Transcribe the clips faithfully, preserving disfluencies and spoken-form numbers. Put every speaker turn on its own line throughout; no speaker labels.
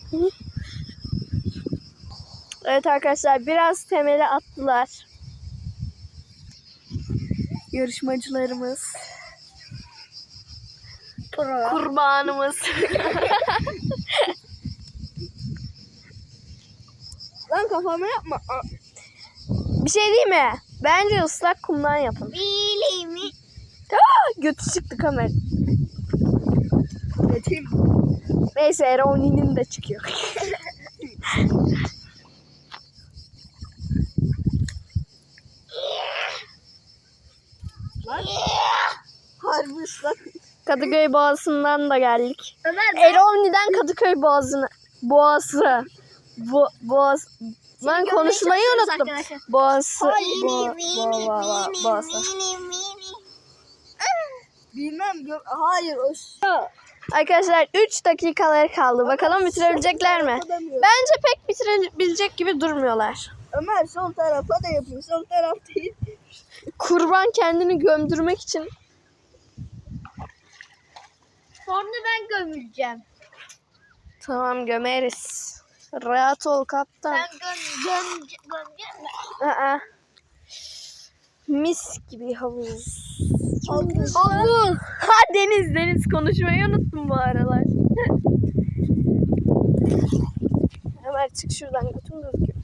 Evet arkadaşlar, biraz temeli attılar. Yarışmacılarımız.
Pro.
Kurbanımız.
Lan kafama yapma.
Bir şey değil mi? Bence ıslak kumdan yapın.
Bilimi.
Aa, götü çıktı kamera.
Yetim.
Neyse, Eroni'nin de çıkıyor.
Lan. Harbi ıslak.
Kadıköy Boğazı'ndan da geldik.
Ömer
Eroni'den Kadıköy Boğazı'na. Boğazı. Bo Boğaz. Ben konuşmayı unuttum. Boğazı. Bo bo bo bo Boğazı.
Bilmem. Hayır. O
Arkadaşlar üç dakikaları kaldı. Bakalım bitirebilecekler mi? Bence pek bitirebilecek gibi durmuyorlar.
Ömer sol tarafa da yapıyor. Sol taraf değil.
Kurban kendini gömdürmek için.
Sonra ben gömüleceğim.
Tamam, gömeriz. Rahat ol kaptan.
Ben göm göm gömeceğim mi?
Aa. Mis gibi havuz.
Havuz.
Havuz. Ha, deniz deniz konuşmayı unuttum bu aralar. Ömer çık şuradan, götüm gözüküyor.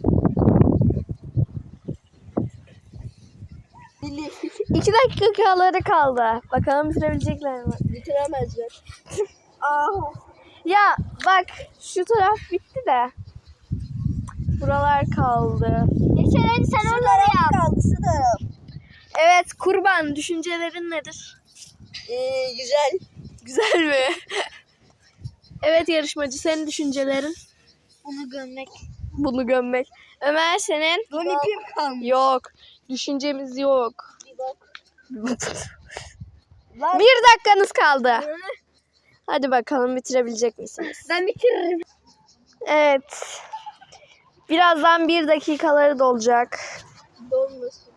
İki dakikaları kaldı. Bakalım bitirebilecekler mi?
Bitiremezler. Aa.
Ya bak, şu taraf bitti de. Buralar kaldı.
Geçen hadi sen onları yap. Kaldı şu taraf.
Evet, kurban, düşüncelerin nedir?
Ee, güzel.
Güzel mi? Evet yarışmacı, senin düşüncelerin?
Bunu gömmek.
Bunu gömmek. Ömer, senin?
Don ipim kalmış.
Yok. Düşüncemiz yok.
Bir bak. Lan.
Bir dakikanız kaldı. Hadi bakalım, bitirebilecek misiniz?
Ben bitiririm.
Evet. Birazdan bir dakikaları dolacak.
Dolmasın.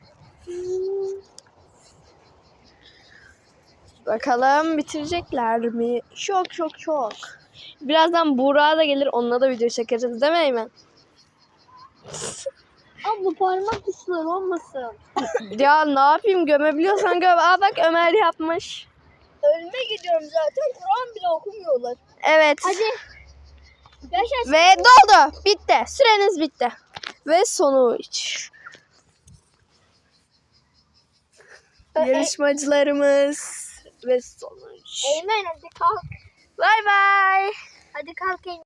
Bakalım bitirecekler mi? Çok çok çok. Birazdan Buğra da gelir, onunla da video çekeriz değil mi Eymen?
Abla parmak ıslar olmasın.
Ya ne yapayım, gömebiliyorsan göm. Aa bak, Ömer yapmış.
Ölüme gidiyorum zaten. Kur'an bile okumuyorlar.
Evet.
Hadi. Yaşasın.
Ve doldu. Bitti. Süreniz bitti. Ve sonuç. Yarışmacılarımız ve sonuç.
Eymen hadi kalk.
Bay bay.
Hadi kalk Eymen.